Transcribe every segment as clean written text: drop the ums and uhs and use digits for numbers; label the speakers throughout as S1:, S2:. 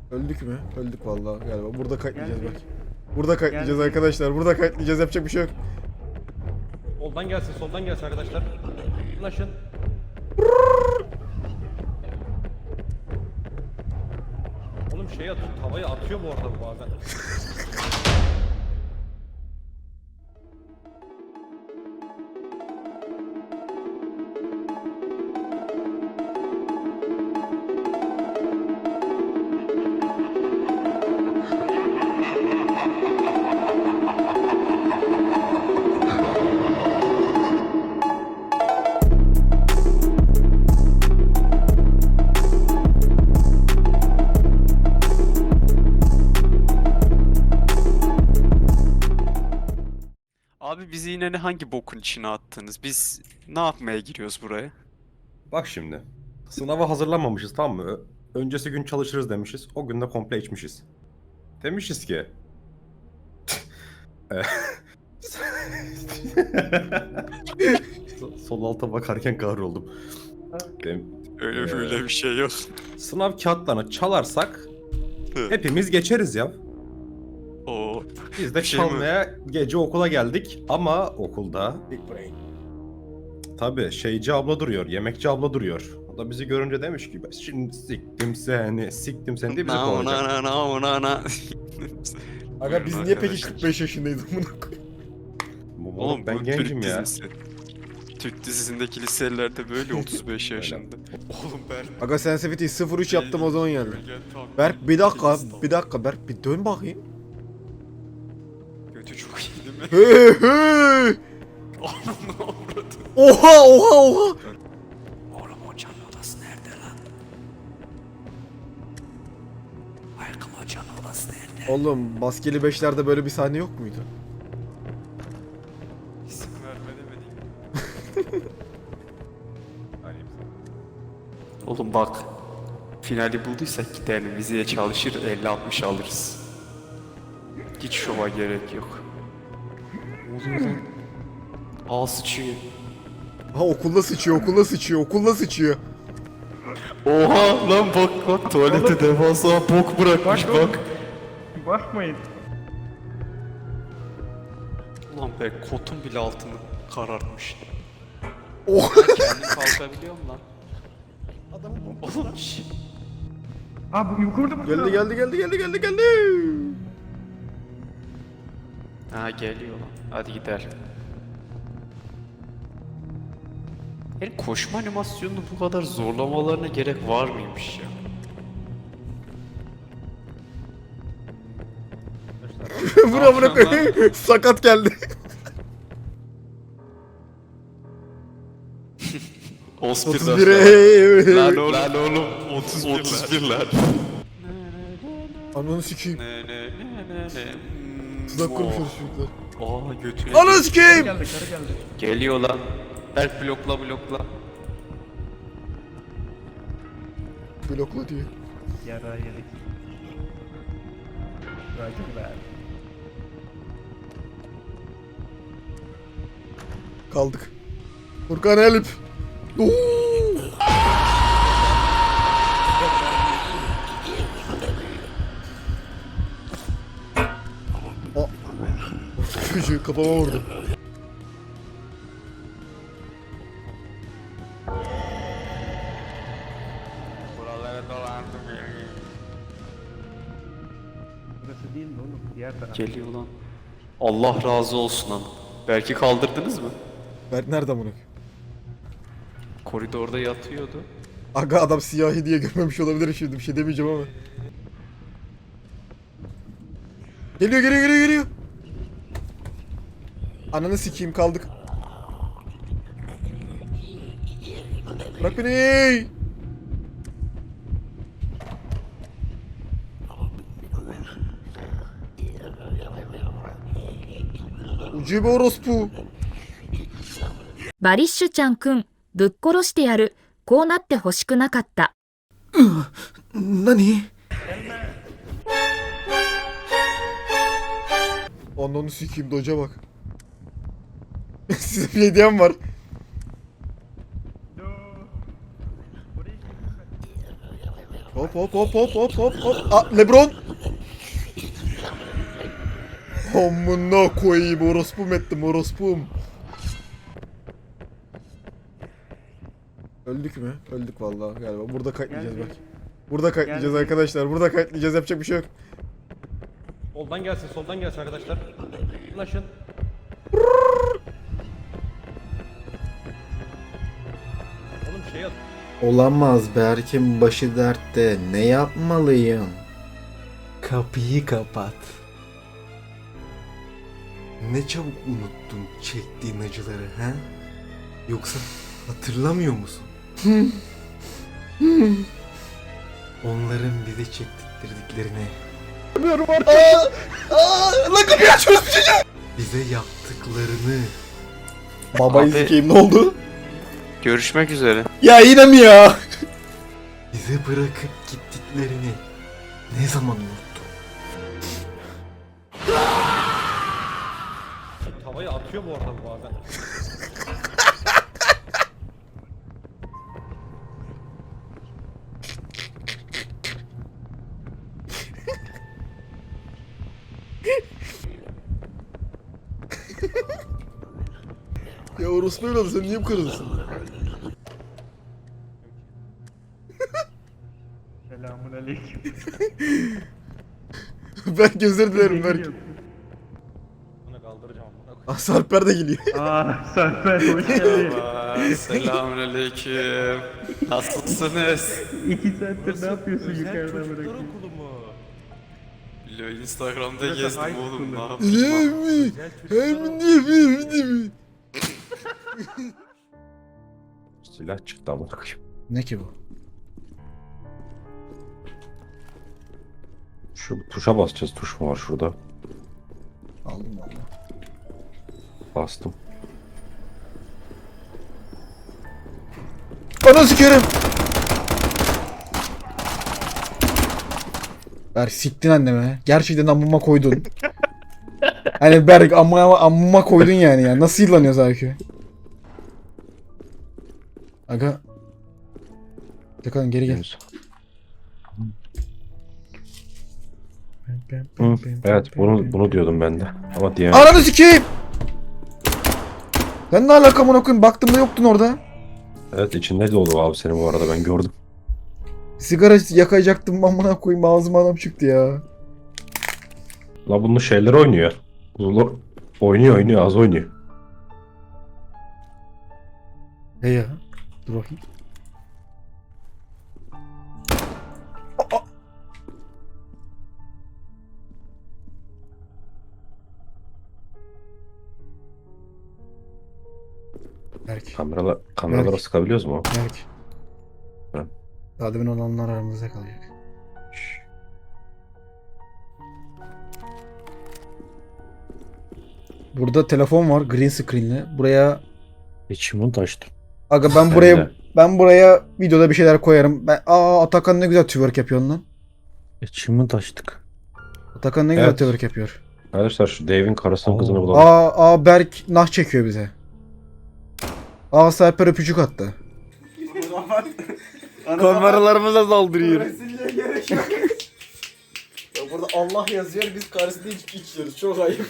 S1: Öldük mü? Öldük vallahi galiba. Burada kayıtlayacağız bak. Burada kayıtlayacağız arkadaşlar. Burada kayıtlayacağız. Yapacak bir şey yok.
S2: Soldan gelsin, soldan gelsin arkadaşlar. Ulaşın. Oğlum şey atıyor, tavayı atıyor bu arada bu bazen.
S3: Abi bizi yine hangi bokun içine attınız? Biz ne yapmaya giriyoruz buraya?
S4: Bak şimdi. Sınava hazırlanmamışız, tamam mı? Öncesi gün çalışırız demişiz. O gün de komple içmişiz. Demişiz ki. e, Sol alta bakarken kahroldum.
S3: Öyle böyle bir şey yok.
S4: Sınav kağıtlarını çalarsak hepimiz geçeriz ya.
S3: Oo.
S4: Biz de
S3: Bir şey mi?
S4: çalmaya gece okula geldik ama okulda
S1: Big brain.
S4: tabii şeyci abla duruyor, yemekçi abla duruyor. O da bizi görünce demiş ki, "Ben şimdi siktim seni diye bizi kovacak."
S3: Na.
S1: Aga biz niye peki 45 yaşındayız bunu?
S4: Oğlum ben
S3: bu
S4: gencim
S3: Türk
S4: ya.
S3: dizisi. Türk dizisindeki liselerde böyle 35 yaşında. Oğlum ben...
S1: Aga sensitivity 03 yaptım o zaman geldi. Berk bir dakika Berk bir dön bakayım.
S3: Götü çok iyi değil mi?
S1: Hey hey.
S3: Ananı avradı.
S1: Oha.
S3: Oğlum hocanın odası nerede lan? Aykım hocanın odası nerede?
S1: Oğlum maskeli 5'lerde böyle bir sahne yok muydu?
S3: İsim verme demedik. Oğlum bak. Finali bulduysak gidelim vizeye çalışır 50-60 alırız. Hiç şova gerek yok. Oluyor lan. Aa sıçıyor.
S1: Ha okulda sıçıyor.
S3: Oha lan bak tuvalete devasa bok bırakmış bak.
S2: Bakmayın.
S3: Ulan be kotun bile altını karartmış.
S1: Oha.
S3: Kendin kalkabiliyor musun lan? Oğlum şş.
S2: Abi yukarıda bak.
S1: Geldi.
S3: Ha geliyor lan. Hadi gidelim. Yani koşma animasyonunu bu kadar zorlamalarına gerek var mıymış ya?
S1: Buna koyayım. Sakat geldi. 31
S3: 31
S1: lan.
S3: Lan oğlum 31 lan.
S1: Ananı sikeyim.
S3: Ne.
S1: Tuzak kurmuşuz çocuklar.
S3: Aa götüne.
S1: Ananı sikeyim.
S2: Geldi, karı geldi.
S3: Geliyor lan. Berk blokla.
S1: Blokla diyor.
S2: Yara yedik. Roger that.
S1: Kaldık. Furkan help. Oo! Aa. Çocuğu kafama vurdu.
S2: Burası değil mi oğlum? Diğer taraf.
S3: Geliyor lan. Allah razı olsun lan. Belki kaldırdınız mı?
S1: Berk nerede amına?
S3: Koridorda yatıyordu.
S1: Aga adam siyahi diye görmemiş olabilir şimdi bir şey demeyeceğim ama. Geliyor. Ananı sikeyim kaldık. Bırak beni. Ucube orospu.
S5: バリッシュちゃんくん、ぶっ殺してやる。こうなってほしくなかった。
S1: Nani? Ananı sikeyim doca bak. Size bir hediyem var. Hop hop hop hop hop hop hop. Aa, Lebron. Amına koyayım, orospum ettim, orospum. Öldük mü? Öldük vallahi galiba. Burada kayıtlayacağız bak. Burada kayıtlayacağız arkadaşlar. Burada kayıtlayacağız. Yapacak bir şey yok.
S2: Soldan gelsin, soldan gelsin arkadaşlar. Ulaşın. Oğlum şey at.
S6: Olamaz, Berk'in başı dertte. Ne yapmalıyım? Kapıyı kapat. Ne çabuk unuttun çektiğin acıları, he? Yoksa hatırlamıyor musun? Onların bize çektirdiklerini.
S1: Bilmiyorum artık. Lan kapıyı açıyoruz bir şey.
S6: Bize yaptıklarını.
S1: Babayı
S3: Abi.
S1: sikeyim, ne oldu?
S3: Görüşmek üzere.
S1: Ya yine mi ya?
S6: Bize bırakıp gittiklerini ne zaman unuttun?
S2: Tavayı atıyor mu oradan bazen?
S1: Ya orospu evladı, sen niye bu kadarısın?
S7: Selamünaleyküm.
S1: Berk, özür dilerim Berk.
S2: Bunu kaldıracağım.
S1: Ah, Sarper de geliyor.
S7: Sarper hoş geldin.
S3: Selamünaleyküm. Nasılsınız?
S7: 2 saattir ne yapıyorsun
S2: Özel
S7: yukarıda
S2: çocuklar
S7: bırakın?
S2: okulu mu?
S3: Bilo Instagram'da
S7: Burası
S3: gezdim
S7: high
S3: oğlum. Ne
S7: school.
S3: yapayım?
S1: Mi?
S2: Özel çocuklar okulu.
S1: Mi?
S4: Silah çıktı amına koyayım.
S6: Ne ki bu?
S4: Şu tuşa basacağız. Tuş mu var şurada?
S6: Aldım valla.
S4: Bastım.
S1: Ana sikerim. Berk, siktin anneme. Gerçekten amıma koydun. Hani Berk, amıma koydun yani ya. Nasıl yıllanıyoruz Aykü? Aga. Bakalım, geri gel.
S4: Henüz. Hı, evet bunu diyordum ben de. Ama diye.
S1: Ananı sikeyim. Sen ne alaka amına koyayım? Baktığımda yoktun orada.
S4: Evet, içinde dolu abi senin bu arada, ben gördüm.
S1: Sigara yakacaktım, amına koyayım, ağzıma adam çıktı ya.
S4: La bunun şeyleri oynuyor. Zulu oynuyor az oynuyor.
S1: He ya. Dur bakayım. Berk.
S4: Kameralara
S1: Berk.
S4: sıkabiliyoruz mu?
S1: Berk.
S4: Ha.
S1: Daha demin olanlar aramızda kalacak. Burada telefon var, green screen'li. Buraya
S8: İçimi açtım.
S1: aga
S4: Ben de.
S1: ben buraya videoda bir şeyler koyarım. Atakan ne güzel twerk yapıyor lan.
S8: İçimi açtık.
S1: Atakan ne güzel
S4: Evet.
S1: twerk yapıyor.
S4: Arkadaşlar şu Dave'in karısının kızını bulalım.
S1: Berk nah çekiyor bize. Serper öpücük attı.
S6: Kameralarımıza saldırıyor.
S1: Ya burada Allah yazıyor, biz karşısında içiyoruz. Çok ayıp.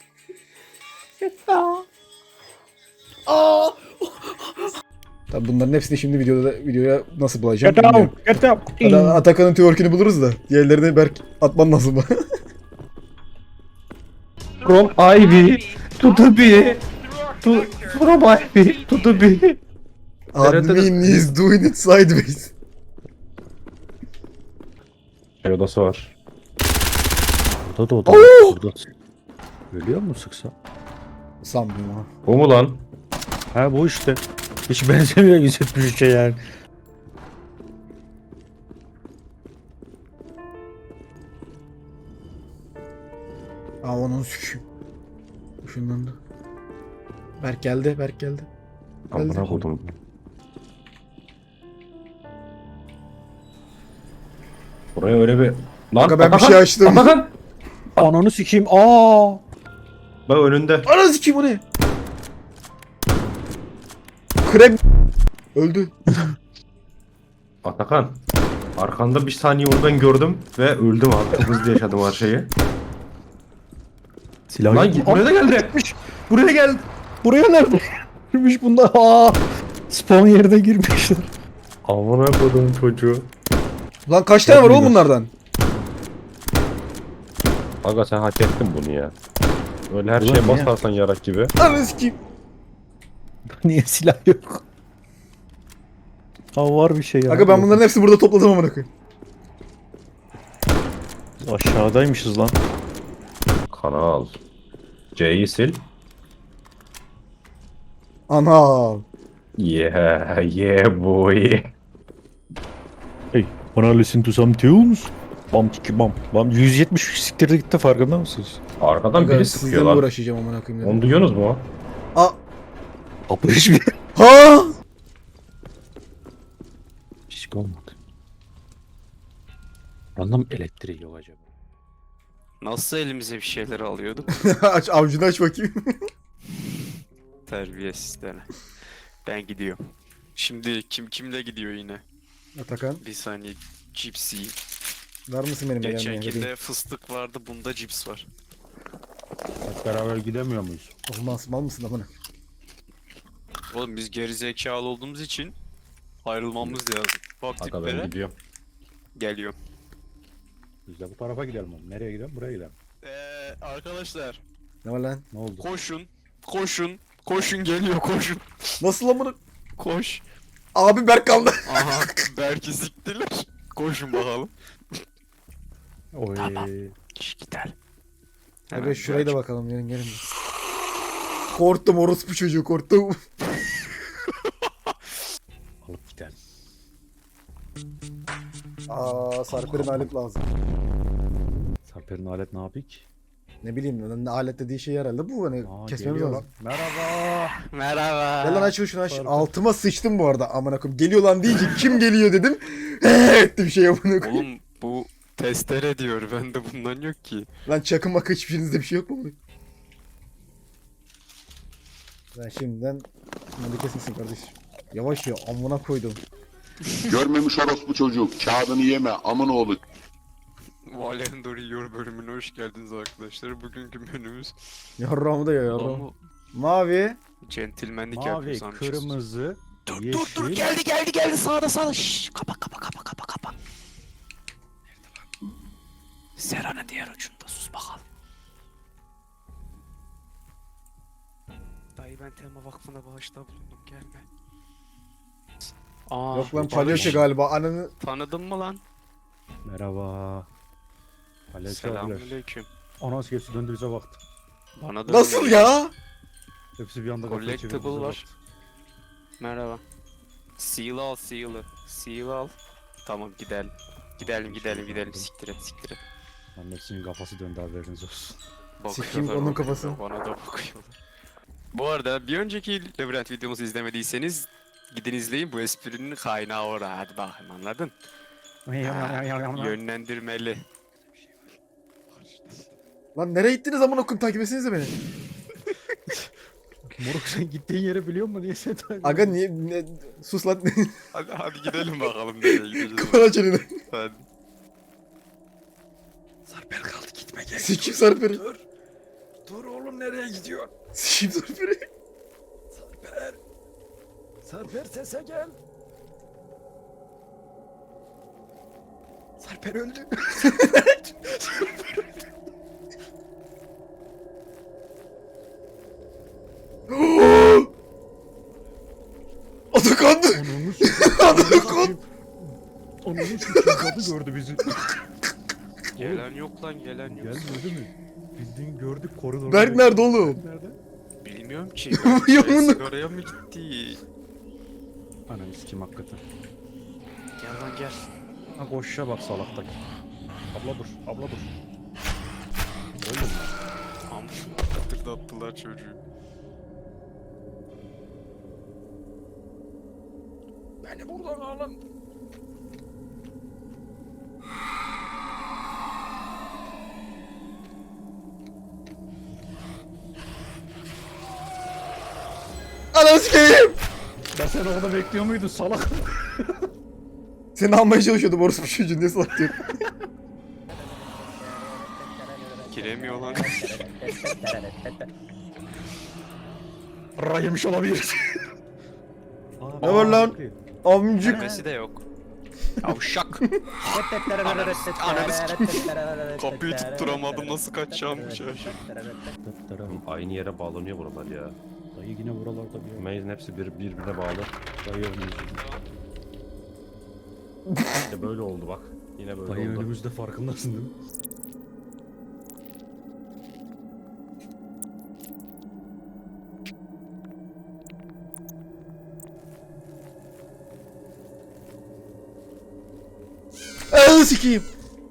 S1: Tabi bunların hepsini şimdi videoya nasıl bulacağım bilmiyorum.
S8: Get up.
S1: Atakan'ın twerk'ünü buluruz da. Diğerlerini Berk atman lazım.
S8: From Ivy to the B. From Ivy to the B.
S1: Admin is doing it sideways.
S4: Şey odası var.
S8: Burada da o da var. Burada. Ölüyor mu sıksa?
S1: Sanmıyorum ha.
S4: Bu mu lan?
S8: Ha bu işte. Hiç benzemiyor bir şey yani.
S1: Onun süküm. Şundan da. Berk geldi.
S4: Amına koydum. Buraya öyle bir... Lan
S1: Aga, ben bir
S4: Atakan!
S1: şey açtım.
S4: Atakan!
S8: Ananı sikeyim. Aa!
S4: Bak önünde.
S1: Ana sikeyim, o ne? Krem öldü.
S4: Atakan. Arkanda bir saniye onu ben gördüm ve öldüm abi. Çok hızlı yaşadım her şeyi.
S8: Silah
S4: Lan
S8: yok.
S4: git buraya da geldi. Buraya gel.
S8: Buraya nerede? Girmiş bunlar. Aa! Spawn yerine girmişler.
S4: Amına kodum çocuğu.
S1: Lan kaç tane var oğlum bunlardan?
S9: Aga sen hak ettin bunu ya. Öyle her
S8: Ulan
S9: şeye
S8: niye?
S9: basarsan yarak gibi.
S1: Ananı sikeyim.
S8: Niye silah yok? Ha var bir şey ya.
S1: Aga ben bunların hepsini burada topladım amına koyayım.
S8: Aşağıdaymışız lan.
S9: Kanal. C'yi sil.
S1: Anam.
S9: Yeah boy.
S8: Hey, wanna listen to some tunes? Bam tiki bam. Bam 170 siktirdi gitti farkında mısınız?
S9: Arkadan
S1: Aga
S9: biri
S1: sizle
S9: sıkıyor
S1: mi
S9: lan.
S1: uğraşacağım amına koyayım dedim.
S9: Onu duyuyorsunuz mu?
S1: Aa.
S8: Kapı hiçbir
S1: Ha!
S8: şey olmadı. Bunda mı elektriği yok acaba?
S3: Nasıl elimize bir şeyler alıyorduk?
S1: Aç avucunu aç bakayım.
S3: Terbiyesizlere. Ben gidiyorum. Şimdi kim kimle gidiyor yine?
S1: Atakan,
S3: Bir saniye. Cipsi.
S1: var mısın benimle gelmeye?
S3: Geçenkinde fıstık vardı, bunda cips var.
S6: Hep beraber gidemiyor muyuz?
S1: Olmaz, mal mısın amına?
S3: Oğlum biz gerizekalı olduğumuz için ayrılmamız lazım. Bak
S9: Aga ben
S3: tiplere
S9: gidiyorum.
S3: geliyor.
S6: Biz de bu tarafa gidelim oğlum. Nereye gidelim? Buraya gidelim.
S3: Arkadaşlar
S1: Ne var lan?
S6: Ne oldu?
S3: koşun geliyor koşun.
S1: Nasıl amına?
S3: Koş.
S1: Abi Berk kaldı.
S3: Aha belki siktiler. Koşun bakalım.
S6: Oy.
S3: Gidelim.
S1: Aga şuraya da bakalım, gelin. Korktum orospu çocuğu, korktum.
S6: Alıp gidelim.
S1: Aa, Sarper'in alet lazım.
S6: Sarper'in alet ne yapıyor ki?
S1: Ne bileyim, ne alet dediği şey herhalde bu, hani
S6: Aa,
S1: kesmemiz
S6: geliyor
S1: lazım.
S6: lan. Merhaba.
S3: Merhaba.
S1: Gel lan aç şunu aç.
S6: Sarper.
S1: Altıma sıçtım bu arada amına koyayım. Geliyor lan deyince kim geliyor dedim. Etti bir şey amına koyayım.
S3: Oğlum bu testere diyor. Bende bundan yok ki.
S1: Lan çakım akı hiçbirinizde bir şey yok mu amına? Ben şimdiden bunu kesmişsin kardeşim. Yavaş ya, amına koydum.
S10: Görmemiş orospu çocuk. Kağıdını yeme amın oğlu.
S3: Valendor yiyor bölümüne hoş geldiniz arkadaşlar. Bugünkü menümüz
S1: Yarrağımı da ya yarrağımı.
S3: ama
S1: Mavi.
S3: centilmenlik
S6: Mavi,
S3: yapıyoruz amcası.
S6: kırmızı,
S3: Dur
S6: yeşil.
S3: dur dur geldi sağda. Şşş kapa. Serhan'ın diğer ucunda sus bakalım. Dayı ben Tema Vakfı'na bağışta bulundum gelme. Aa,
S1: Yok lan
S3: Barış.
S1: palyaço galiba. Ananı.
S3: Tanıdın mı lan?
S6: Merhaba. Aleykümselam.
S3: Selamünaleyküm.
S6: Anons hepsi döndü bize baktı.
S3: Bana da
S1: Nasıl ya?
S6: Hepsi bir anda kafayı çevirdi
S3: Collectible
S6: bize
S3: var.
S6: baktı.
S3: Merhaba. Seal al. Tamam gidelim. Gidelim. Siktir et.
S6: Lan hepsinin kafası döndü haberiniz olsun.
S1: Sikeyim onun kafasını.
S3: Bana da bakıyorlar. Bu arada bir önceki Labirent videomuzu izlemediyseniz gidin izleyin. Bu esprinin kaynağı orada. Hadi bakayım anladın? Yönlendirmeli.
S1: Lan nereye gittiniz amına koyayım, takip etsenize beni.
S6: Moruk sen gittiğin yeri biliyor musun? Niye sen takip
S1: Aga niye sus lan.
S3: Hadi gidelim bakalım nereye gideceğiz.
S1: Kapat aç elini.
S3: Hadi.
S6: Sarper kaldı gitme gel.
S1: Sikeyim Sarper'i.
S6: Dur oğlum nereye gidiyor?
S1: Sikeyim Sarper'i.
S6: Sarper sese gel. Sarper öldü.
S1: Atakan.
S6: Onu
S1: Atakan.
S6: Onun kadı gördü bizi.
S3: Gelen yok lan gelen yok.
S6: Gelmedi mi? Bildiğin gördük koridorda.
S1: Berk nerede oğlum?
S6: Nerede?
S3: Bilmiyorum ki.
S1: Yamunu.
S3: Sigaraya mı gitti?
S6: Ananı sikim hakikaten.
S3: Gel lan gel.
S6: Ha koşuşa bak salaktaki. Abla dur. Oğlum.
S3: Amma hatırlattılar çocuğu.
S6: Beni buradan alın.
S1: Ananı sikeyim.
S6: Ben seni orada bekliyor muydun salak?
S1: Seni almaya çalışıyordum orası bir çocuğun ne satıyor.
S3: Giremiyor lan.
S8: Raymış olabilir.
S1: Ne var lan? Amcık.
S3: Girmesi de yok. Yavşak. Kapıyı tutturamadım, nasıl kaçacağım şaşır.
S4: Aynı yere bağlanıyor buralar ya.
S6: Dayı yine buralarda bir yer.
S4: Maze'in hepsi birbirine bağlı.
S6: Dayı önümüzde.
S4: İşte böyle oldu bak. Yine böyle
S6: Dayı
S4: oldu.
S6: önümüzde farkındasın değil mi?
S1: Ağzı sikeyim.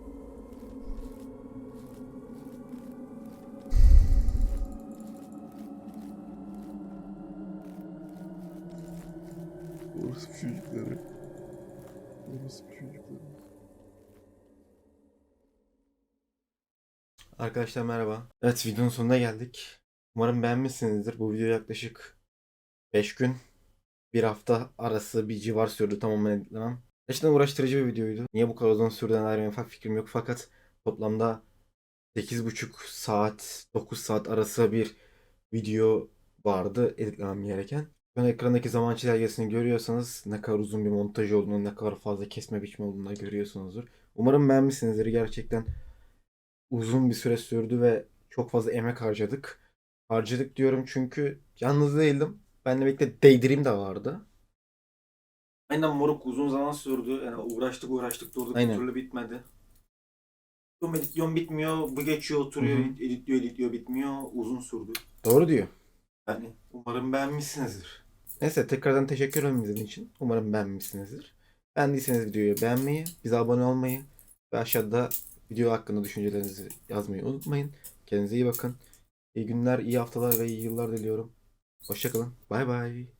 S1: Orası çocukları. Orası çocukları. Arkadaşlar merhaba. Evet, videonun sonuna geldik. Umarım beğenmişsinizdir. Bu video yaklaşık 5 gün, bir hafta arası bir civar sürdü, tamamen editlemem. Gerçekten uğraştırıcı bir videoydu. Niye bu kadar uzun sürdüğüne dair benim ufak fikrim yok. Fakat toplamda 8,5 saat, 9 saat arası bir video vardı editlemem gereken. Şu an ekrandaki zaman çizelgesini görüyorsanız ne kadar uzun bir montaj olduğunu, ne kadar fazla kesme biçme olduğunu da görüyorsunuzdur. Umarım beğenmişsinizdir. Gerçekten uzun bir süre sürdü ve çok fazla emek harcadık. Harcadık diyorum çünkü yalnız değildim. Benle birlikte Daydream de vardı. Aynen moruk, uzun zaman sürdü. Yani uğraştık durduk, bir türlü bitmedi. Editliyorum bitmiyor, bu geçiyor oturuyor, editliyor bitmiyor, uzun sürdü. Doğru diyor. Yani umarım beğenmişsinizdir. Neyse, tekrardan teşekkür ederim izlediğiniz için. Umarım beğenmişsinizdir. Beğendiyseniz videoyu beğenmeyi, bize abone olmayı ve aşağıda video hakkında düşüncelerinizi yazmayı unutmayın. Kendinize iyi bakın. İyi günler, iyi haftalar ve iyi yıllar diliyorum. Hoşçakalın. Bay bay.